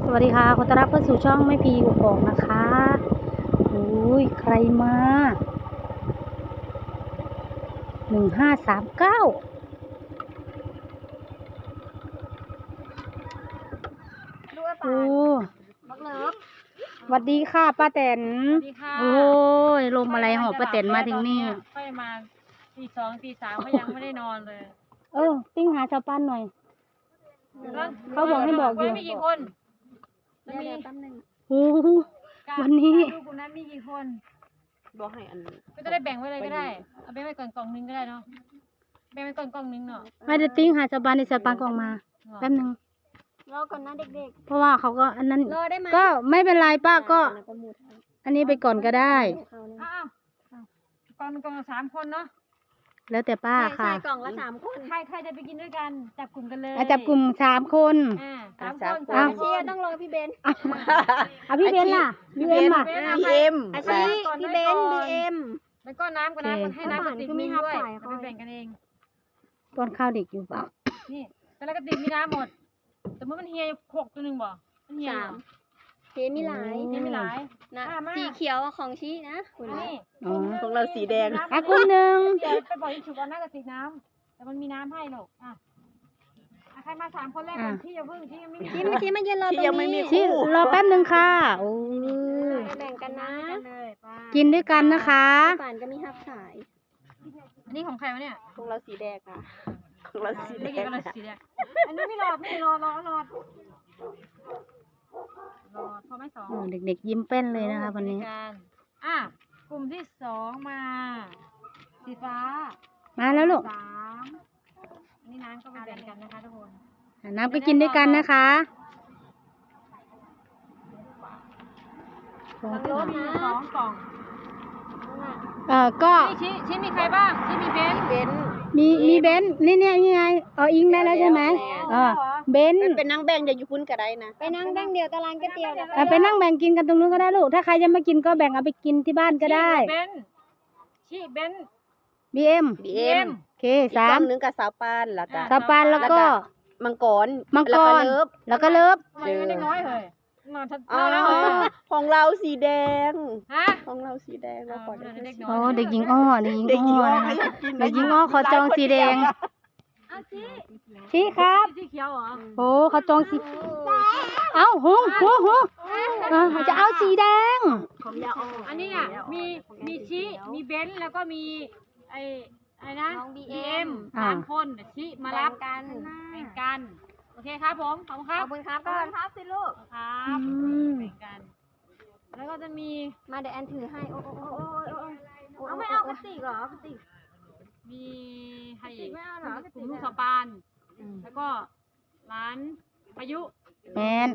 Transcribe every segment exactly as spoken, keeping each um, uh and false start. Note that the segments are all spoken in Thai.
สวัสดีค่ะขอต้อนรับเข้าสู่ช่องแม่พีกกอกนะคะโอ้ยใครมาหนึ่งห้าสามเก้าโอ้สวัสดีค่ะป้าแตนโอ้ยลมอะไรหอบป้าแตนมาถึงนี่ค่อยมาตีสองตีสามก็ยังไม่ได้นอนเลยเออติ้งหาชาวปั้นหน่อยเขาบอกให้บอกอยู่มีกี่คนมีโอ้วันนี้ดูกลุ่มนั้นมีกี่คนบอกให้อันก็จะได้แบ่งไว้เลยก็ได้เอาแบ่งไว้ก่อนกล่องนึงก็ได้เนาะแบ่งไว้ก่อนกล่องนึงเนาะไม่ได้ติ้งหาชาวปั้นในชาวปั้นกล่องมาแป๊บนึงรอก่อนนะเด็กๆเพราะว่าเขาก็อันนั้นก็ไม่เป็นไรป้าก็อันนี้ไปก่อนก็ได้อ้าวกล่องนึงกล่องละสามคนเนาะแล้วแต่ป้าค่ะใช่กล่องละสามคนใครใครจะไปกินด้วยกันจับกลุ่มกันเลยจับกลุ่มสามคนอ่าสามคนสามคนต้องรอพี่เบนอ่ะพี่เบนล่ะพี่เบนล่ะพี่เอ็มอาชีพี่เบนพี่เอ็มแล้วก็น้ำกับน้ำให้น้ำกับติ๊กมีด้วยไปแบ่งกันเองป้อนข้าวเด็กอยู่เปล่านี่แต่ละกระติกมีน้ำหมดแต่เมื่อมันเฮียหกตัวหนึ่งบ่มันเฮียเฮียมีหลายเฮียมีหลายนะสีเขียวของชี้นะคุณนี่ของเราสีแดงอ่ะคุณหนึ่งเดี๋ยวไปบอกอีกชุดว่าน่ากระติกน้ำแต่มันมีน้ำให้หรอกอ่ะใครมาสามคนแรกก่อนที่จะเพิ่งที่ยังไม่ที่มาที่มาเย็นรอตรงนี้ที่รอแป๊บนึงค่ะโอ้ยแบ่งกันนะกินด้วยกันนะคะป่านก็มีฮับสายอันนี้ของใครวะเนี่ยของเราสีแดงค่ะของเราสีแดงของเราสีแดงอันนี้ไม่รอไม่รอรอรอรอพอไม่สองเด็กๆยิ้มเป้นเลยนะคะวันนี้อ่ะกลุ่มที่สองมาสีฟ้ามาแล้วลูกสามอันนี้น้ำก็ไปแบ่งกันนะคะทุกคนน้ำก็กินด้วยกันนะคะสองกล่องสองกล่องเออก็ชี้ชี้มีใครบ้างชี้มีเบนเบนมีมีเบนนี่เนี่ยยังไงเอออิงได้แล้วใช่ไหมเออเบนเป็นนั่งแบ่งเดี๋ยวอยู่พุ่นก็ได้นะไปนั่งแบ่งเดียวตารางก๋วยเตี๋ยวไปนั่งแบ่งกินกันตรงนู้นก็ได้ลูกถ้าใครจะมากินก็แบ่งเอาไปกินที่บ้านก็ได้เบนชี้เบนบีเอ็มบีเอ็มโอเคสามนึงกับสาวปานแล้วก็สาวปานแล้วก็มังกรมังกรแล้วก็เลิฟเด็กน้อยเลยของเราสีแดงฮะของเราสีแดงเราขอโอ้เด็กหญิงอ้อเด็กหญิงอ้อเด็กหญิงอ้อขอจองสีแดงชี้ครับสีเขียวเหรอโอ้เขาจองสีเอ้าหุงหุงหุงจะเอาสีแดงอันนี้อ่ะมีมีชี้มีเบนแล้วก็มีไอไอ้นะบีเอ็มสามคนชี้มารับกันแบ่งกันโอเคครับผมขอบคุณครับขอบคุณครับก่อนครับสิลูกครับแบ่งกันแล้วก็จะมีมาเดี๋ยวแอนถือให้โอ้โอ้โอ้โอ้โอ้เอาไม่เอากระติกเหรอกระติกมีใครอีกกลุ่มลูกสะปานแล้วก็ร้านพายุแมน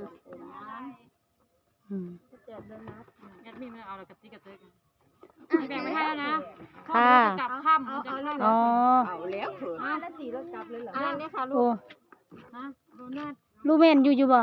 แอดมินไม่เอากระติกกระติกแบ่งไม่ให้แล้วนะค่ะกลับค่ำจะเริ่มอ๋อเอาแล้วเถอะแล้วสีรถกลับเลยเหรออ่าเนี่ยค่ะลูกนะโดนัทลูกแม่นอยู่อยู่บ่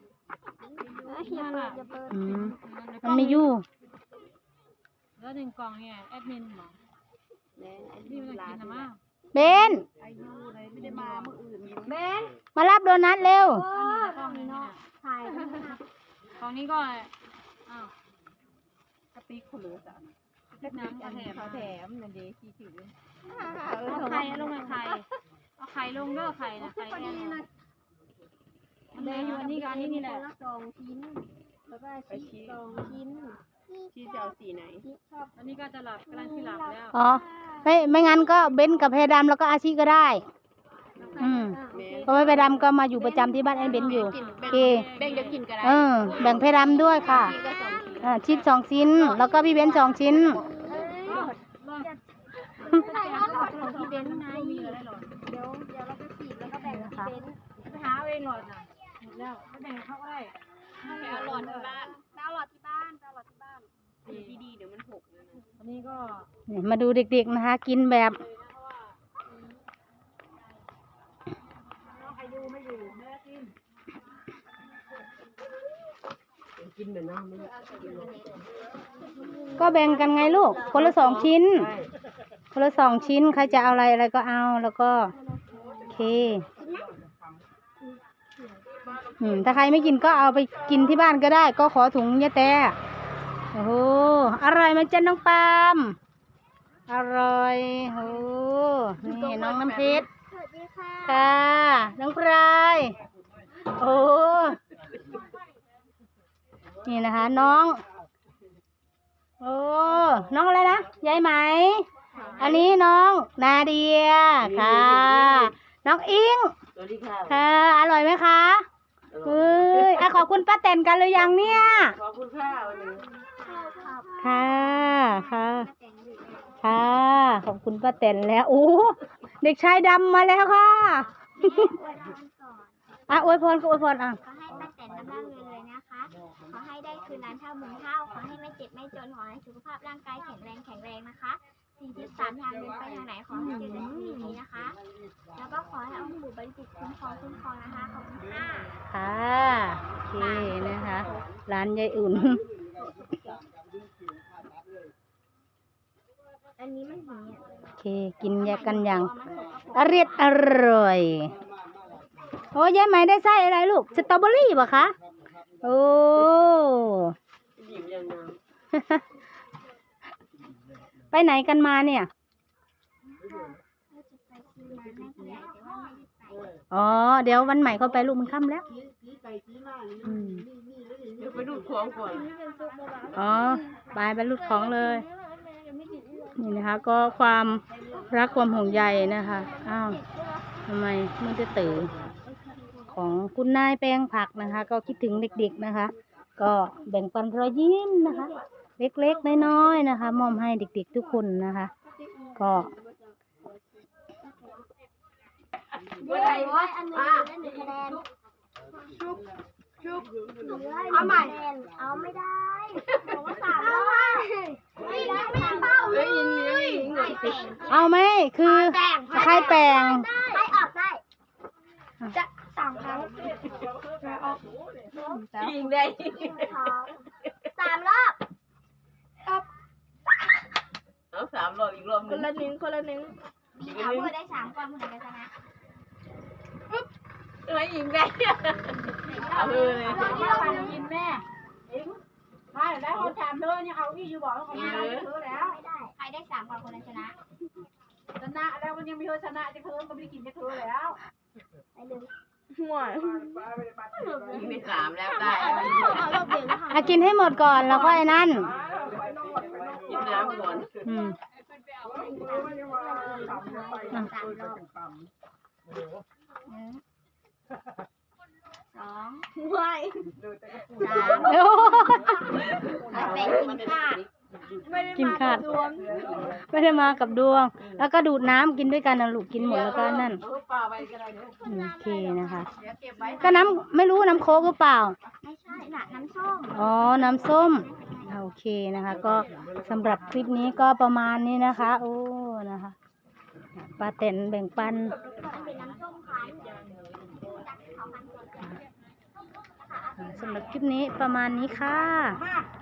มันไม่อยู่แล้วหนึ่งกล่องเนี่ยแอดมินหรอนี่มันกินนะมั้งเบนไม่ได้มาเมื่ออื่นเบนมารับโดนัทเร็วกล่องนี้เนาะถ่ายกล่องนี้ก็อ้าวกระติกคนรู้จักน้ำกระแถมแถมนั่นดีที่ถือเอาไข่ลงมาไข่เอาไข่ลงเด้อไข่นะไข่แอนเดี๋ยวอยู่อันนี้กับอันนี้นี่แหละสองชิ้นแล้วก็ชีสองชิ้นชีจะเอาสีไหนอันนี้ก็จะหลับกำลังที่หลับแล้วอ๋อไม่ไม่งั้นก็เบนกับเพดำแล้วก็อาชีก็ได้อืมเพราะว่าเพดำก็มาอยู่ประจำที่บ้านแอนเบนอยู่โอเคแบ่งเดี๋ยวกินกันได้เออแบ่งเพดำด้วยค่ะอ่าชิ้นสองชิ้นแล้วก็พี่เบนสองชิ้นใส่ห้าหลอดของพี่เบนไงเดี๋ยวเดี๋ยวเราจะฉีดแล้วก็แบ่งกับพี่เบนไปหาเองหลอดน่ะหมดแล้วไปแบ่งเขาได้ไปเอาหลอดที่บ้านไปเอาหลอดที่บ้านไปเอาหลอดที่บ้านดีดีเดี๋ยวมันหกอันนี้ก็มาดูเด็กๆนะคะกินแบบใครอยู่ไม่อยู่แม่กินกินเหมือนน้ำก็แบ่งกันไงลูกคนละสองชิ้นคนละสองชิ้นใครจะเอาอะไรอะไรก็เอาแล้วก็โอเคอืมถ้าใครไม่กินก็เอาไปกินที่บ้านก็ได้ ก็ขอถุงยะแต่โอ้โหอร่อยไหมจ๊ะน้องปาล์มอร่อยโอ้นี่น้องน้ำเพชรสวัสดีค่ะค่ะน้องปลายโอ้นี่นะคะ น้องโอ้น้องอะไรนะยายไหม อันนี้น้องนาเดียค่ะ น้องอิงสวัสดีค่ะค่ะ อร่อยไหมคะเฮ้ยอ่ะขอบคุณป้าแตนกันหรือยังเนี่ยขอบคุณค่ะวันนี้ค่ะค่ะ ค่ะ ขอบคุณป้าแตนแล้วโอ้เด็กชายดำมาแล้วค่ะอ่ะอวยพรก็อวยพรอ่ะขอให้ป้าแตนน้ำร่ำรวยๆนะคะ ขอให้ได้คืนนั้นเท่าหมื่นเท่า ขอให้ไม่เจ็บไม่จน ขอให้สุขภาพร่างกายแข็งแรงแข็งแรงนะคะสี่ทิศสามทางเดินไปทางไหนขอให้เจอแต่สิ่งดีๆนะคะ แล้วก็ขอให้องค์ปู่บริจิตรคุ้มครองคุ้มครองนะคะ ขอบคุณค่ะค่ะโอเคนะคะ ร้านยายอุ่นอันนี้มันหนีอ่ะโอเค กินยากันอย่างอร่อยอร่อย โอ้ยายไหมได้ไส้อะไรลูก สตรอเบอรี่ป่ะคะ โอ้หยิบยังน้ไปไหนกันมาเนี่ยเราจะไปซื้อน้ำให้ผู้ใหญ่แต่ว่าไม่ได้ไปอ๋อ เดี๋ยววันใหม่เขาไปลูกมันค่ำแล้วอืมำเดี๋ยวไปดูดของก่อนอ๋อไปไปรูดของเลย นี่นะคะ ก็ความรักความห่วงใยนะคะ อ้าวทำไมมือจะตื่นของคุณนายแปลงผักนะคะ ก็คิดถึงเด็กๆนะคะ ก็แบ่งปันรอยยิ้มนะคะ เล็กๆน้อยๆนะคะมอบให้เด็กๆทุกคนนะคะ ก็เว้ยอันนี้ได้หนึ่งคะแนนชุบชุบเอาใหม่เอาไม่ได้บอกว่าสามแล้วไม่ได้สามเป้าเลเฮ้ยยยิงยิงยิงหน่อยสิเอาไหมคือใครแปลงใครออกได้ จะสามครั้งยิงได้สามรอบเอาสามรอบอีกรอบหคนึนงละหนึ่งคนละหนึ่งอีกเอาหนึงพูดได้สามคนเหมือนกันชนะเฮ้ยยิงได้เอาเลยรอบที่เรากินแม่เอ็งถ้าได้คนถามเธอเนี่ยเอาอีอยู่บอกเขาไม่ได้เธอแล้วไม่ได้ ใครได้สามคนคนนั้นชนะชนะแล้วมันยังไม่เธอชนะจะเธอก็ไม่ได้กินจะเธอแล้วไปเลยยิงไปสามแล้วได้เอารอบเดียวนะคะอ่ะกินให้หมดก่อนแล้วค่อยนั่นยิงน้ำก่อนอืมสามรอบสองไม่สามโอ้ไปกินข้าวกินขาดไม่ได้มากับดวง แล้วก็ดูดน้ำกินด้วยกันนะลูกกินหมดแล้วก็นั่นเอาปลาไปก็ได้เด้ออืมโอเคนะคะเดี๋ยวเก็บไว้ก็น้ำไม่รู้น้ำโค้กหรือเปล่าไม่ใช่น่ะน้ำส้มอ๋อ น้ำส้ม โอเคนะคะ ก็สำหรับคลิปนี้ก็ประมาณนี้นะคะ โอ้นะคะป้าแตนแบ่งปันเป็นน้ำส้มคั้นเขาคั้นก่อนสำหรับคลิปนี้ประมาณนี้ค่ะมา